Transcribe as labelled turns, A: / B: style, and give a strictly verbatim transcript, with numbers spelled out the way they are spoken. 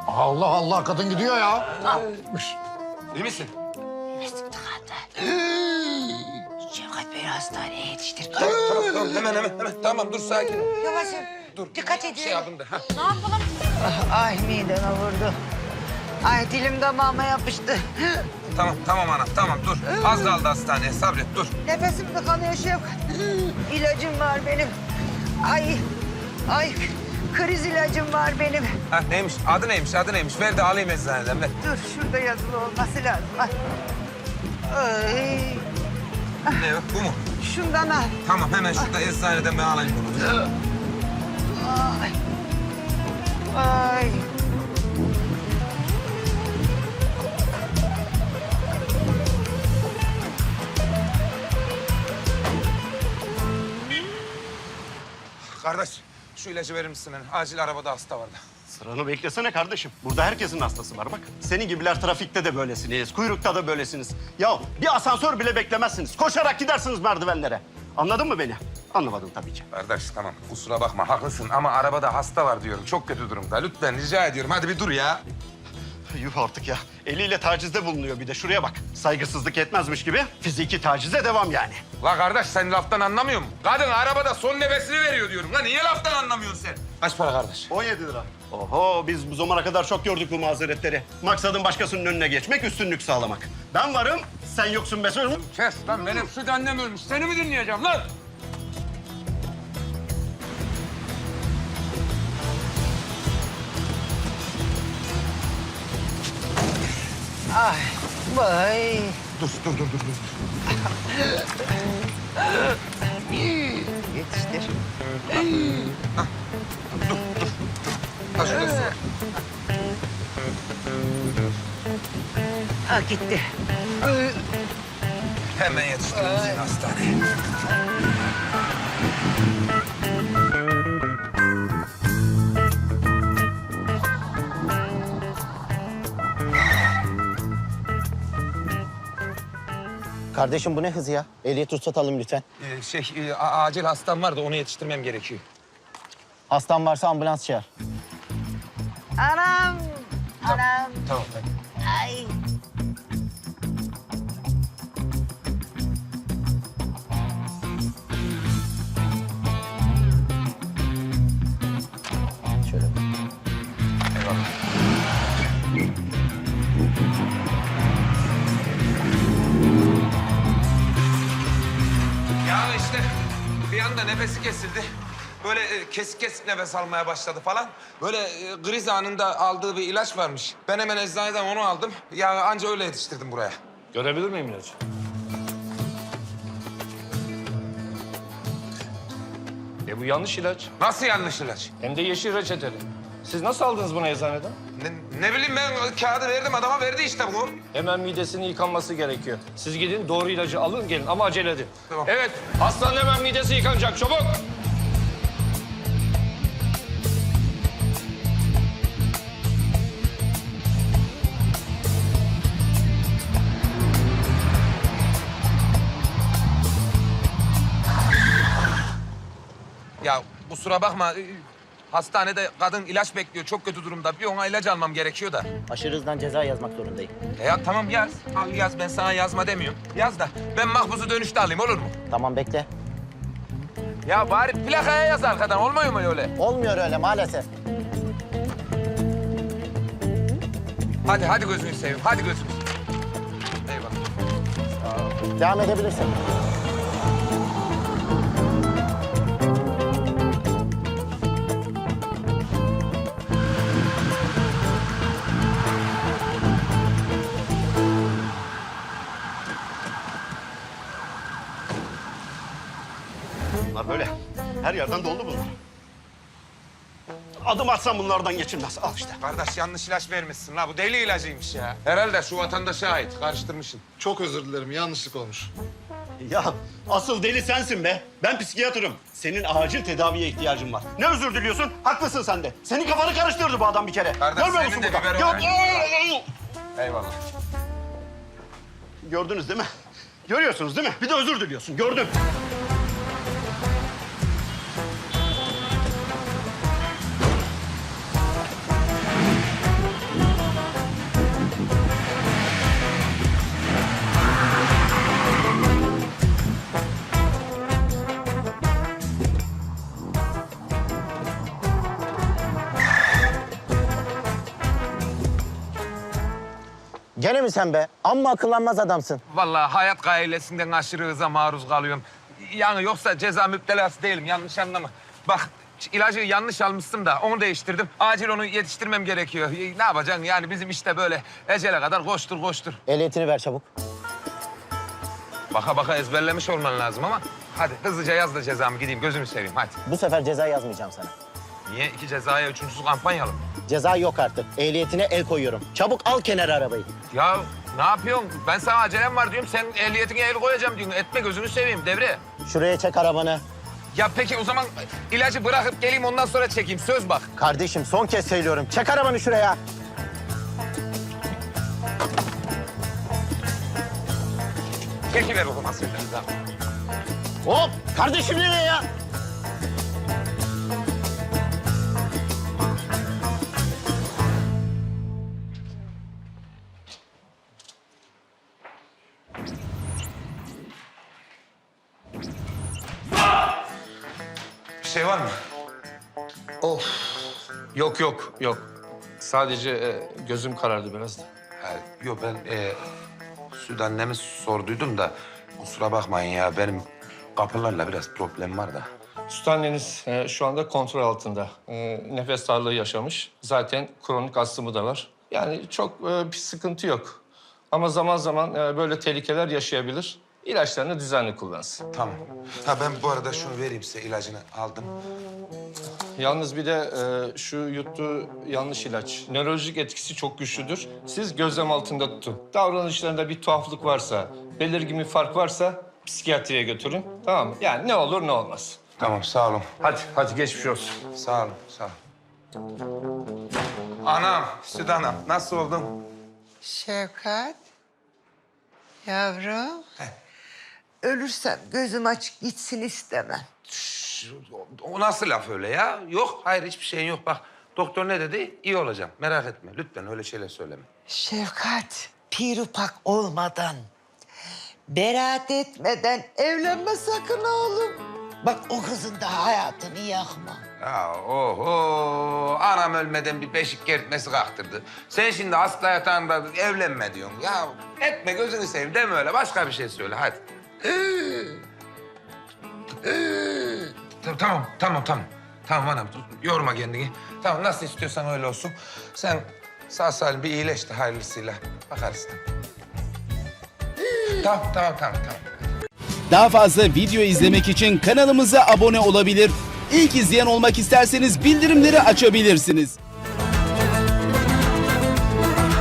A: Allah Allah, kadın gidiyor ya. Ne yapmış?
B: İyi misin?
C: Mesut tıkandı. Şevkat Bey'i hastaneye yetiştir.
B: Tamam, tamam, tamam. Hemen, hemen, hemen. Tamam, dur sakin ol.
C: Yavaş.
B: Dur.
C: Dikkat edin.
B: Şey yapın da. Ha.
C: Ne yapalım? Ay mideme vurdu. Ay dilim damağıma yapıştı.
B: Tamam, tamam anam, tamam dur. Az kaldı hastaneye, sabret, dur.
C: Nefesim tıkanıyor Şevkat. İlacım var benim. Ay, ay kriz ilacım var benim.
B: Ha neymiş, adı neymiş, adı neymiş? Ver de alayım eczaneden, ver.
C: Dur şurada yazılı olması lazım. Ay. Ay.
B: Ne o, bu mu?
C: Şundan al.
B: Tamam, hemen şurada eczaneden ben alayım bunu.
C: Ay. Ay.
B: Kardeş, şu ilacı verir misin? Yani? Acil arabada hasta vardı.
D: Sıranı beklesene kardeşim. Burada herkesin hastası var bak. Senin gibiler trafikte de böylesiniz, kuyrukta da böylesiniz. Ya bir asansör bile beklemezsiniz. Koşarak gidersiniz merdivenlere. Anladın mı beni? Anlamadın tabii ki.
B: Kardeş tamam, kusura bakma, haklısın ama arabada hasta var diyorum. Çok kötü durumda. Lütfen rica ediyorum, hadi bir dur ya.
D: Yuh artık ya. Eliyle tacizde bulunuyor bir de. Şuraya bak. Saygısızlık etmezmiş gibi fiziki tacize devam yani.
B: La kardeş, sen laftan anlamıyor musun? Kadın arabada son nefesini veriyor diyorum. La niye laftan anlamıyorsun sen? Kaç para kardeş?
D: on yedi lira. Oho biz bu zamana kadar çok gördük bu mazeretleri. Maksadın başkasının önüne geçmek, üstünlük sağlamak. Ben varım, sen yoksun be sözüm.
B: Kes lan, benim süt annem ölmüş. Seni mi dinleyeceğim lan?
C: Ay. Vay.
B: Dur, dur, dur, dur. dur.
C: Yetiştir.
B: Ha, şurada su var.
C: Ha gitti.
B: Hemen yetiştirin seni hastaneye.
E: Kardeşim bu ne hız ya? Ehliyet ruhsat alalım lütfen.
B: Ee, şey, e, a- acil hastam var da onu yetiştirmem gerekiyor.
E: Hastan varsa ambulans çağır.
C: Anam. Anam.
B: Tamam, tamam.
C: Ay.
E: Şöyle.
B: Eyvallah. Ya işte bir anda nefesi kesildi. Böyle e, kesik kesik nefes almaya başladı falan. Böyle e, kriz anında aldığı bir ilaç varmış. Ben hemen eczaneden onu aldım. Ya anca öyle yetiştirdim buraya.
F: Görebilir miyim ilacı? E bu yanlış ilaç.
B: Nasıl yanlış ilaç?
F: Hem de yeşil reçeteli. Siz nasıl aldınız bunu eczaneden?
B: Ne, ne bileyim ben kağıdı verdim adama verdi işte bu.
F: Hemen midesinin yıkanması gerekiyor. Siz gidin doğru ilacı alın gelin ama acele edin.
B: Tamam.
F: Evet hastanın hemen midesi yıkanacak çabuk.
B: Ya kusura bakma. e, Hastanede kadın ilaç bekliyor. Çok kötü durumda. Bir ona ilaç almam gerekiyor da.
E: Aşırı hızdan ceza yazmak zorundayım.
B: E ya tamam yaz. Al yaz. Ben sana yazma demiyorum. Yaz da ben mahpusu dönüşte alayım olur mu?
E: Tamam bekle.
B: Ya bari plakaya yaz arkadan. Olmuyor mu öyle?
E: Olmuyor öyle maalesef.
B: Hadi hadi gözünü seveyim. Hadi gözünü seveyim. Eyvallah.
E: Devam edebilirsin.
D: Bunlar böyle. Her yerden doldu bunlar. Adım atsam bunlardan geçilmez. Al işte.
B: Kardeş yanlış ilaç vermişsin la. Bu deli ilacıymış ya. Herhalde şu vatandaşa ait. Karıştırmışsın.
A: Çok özür dilerim, yanlışlık olmuş.
D: Ya asıl deli sensin be. Ben psikiyatrım. Senin acil tedaviye ihtiyacın var. Ne özür diliyorsun? Haklısın sen de. Senin kafanı karıştırdı bu adam bir kere.
B: Kardeş,
D: Görmüyor
B: senin
D: musun
B: de
D: burada?
B: biberi var.
D: Gör-
B: Eyvallah.
D: Gördünüz değil mi? Görüyorsunuz değil mi? Bir de özür diliyorsun. Gördüm.
E: Gene mi sen be? Amma akıllanmaz adamsın.
B: Vallahi hayat gailesinden aşırı hıza maruz kalıyorum. Yani yoksa ceza müptelası değilim, yanlış anlama. Bak ilacı yanlış almıştım da onu değiştirdim. Acil onu yetiştirmem gerekiyor. Ne yapacaksın yani bizim işte böyle ecele kadar koştur koştur.
E: Ehliyetini ver çabuk.
B: Baka baka ezberlemiş olman lazım ama. Hadi hızlıca yaz da cezamı gideyim gözümü seveyim hadi.
E: Bu sefer ceza yazmayacağım sana.
B: Niye? İki cezaya üçüncüsü kampanyalı mı?
E: Ceza yok artık. Ehliyetine el koyuyorum. Çabuk al kenara arabayı.
B: Ya ne yapıyorsun? Ben sana acelem var diyorum. Sen ehliyetine el koyacağım diyorsun. Etme gözünü seveyim devre.
E: Şuraya çek arabanı.
B: Ya peki o zaman ilacı bırakıp geleyim ondan sonra çekeyim. Söz bak.
E: Kardeşim son kez söylüyorum. Çek arabanı şuraya.
B: Çekiver o zaman sen de.
E: Hop! Kardeşim nereye ya?
B: Bir şey var mı?
F: Yok yok yok. Sadece e, gözüm karardı biraz da.
B: Ha, yok ben e, Süt annemi sorduydum da kusura bakmayın ya benim kapılarla biraz problem var da.
F: Süt anneniz e, şu anda kontrol altında. E, nefes darlığı yaşamış. Zaten kronik astımı da var. Yani çok e, bir sıkıntı yok. Ama zaman zaman e, böyle tehlikeler yaşayabilir. İlaçlarını düzenli kullansın.
B: Tamam. Ha ben bu arada şunu vereyim size ilacını aldım.
F: Yalnız bir de e, şu yuttuğu yanlış ilaç. Nörolojik etkisi çok güçlüdür. Siz gözlem altında tutun. Davranışlarında bir tuhaflık varsa, belirgin bir fark varsa psikiyatriye götürün. Tamam mı? Yani ne olur ne olmaz.
B: Tamam sağ olun.
F: Hadi, hadi geçmiş olsun.
B: Sağ olun sağ olun. Anam, Süt anam nasıl oldun?
C: Şevkat, yavrum. Ölürsem gözüm açık gitsin istemem.
B: O nasıl laf öyle ya? Yok, hayır hiçbir şeyin yok. Bak doktor ne dedi? İyi olacağım. Merak etme. Lütfen öyle şeyler söyleme.
C: Şevkat, pirupak olmadan, beraat etmeden evlenme sakın oğlum. Bak o kızın da hayatını yakma.
B: Ya oho, anam ölmeden bir beşik kertmesi kalktırdı. Sen şimdi hasta yatağında evlenme diyorsun. Ya etme gözünü seveyim deme öyle. Başka bir şey söyle hadi. Tamam, tamam, tamam. Tamam anam, yorma kendini. Tamam, nasıl istiyorsan öyle olsun. Sen sağ salim bir iyileş de hayırlısıyla bakarız. Tamam, tamam, tamam, tamam.
G: Daha fazla video izlemek için kanalımıza abone olabilir. İlk izleyen olmak isterseniz bildirimleri açabilirsiniz.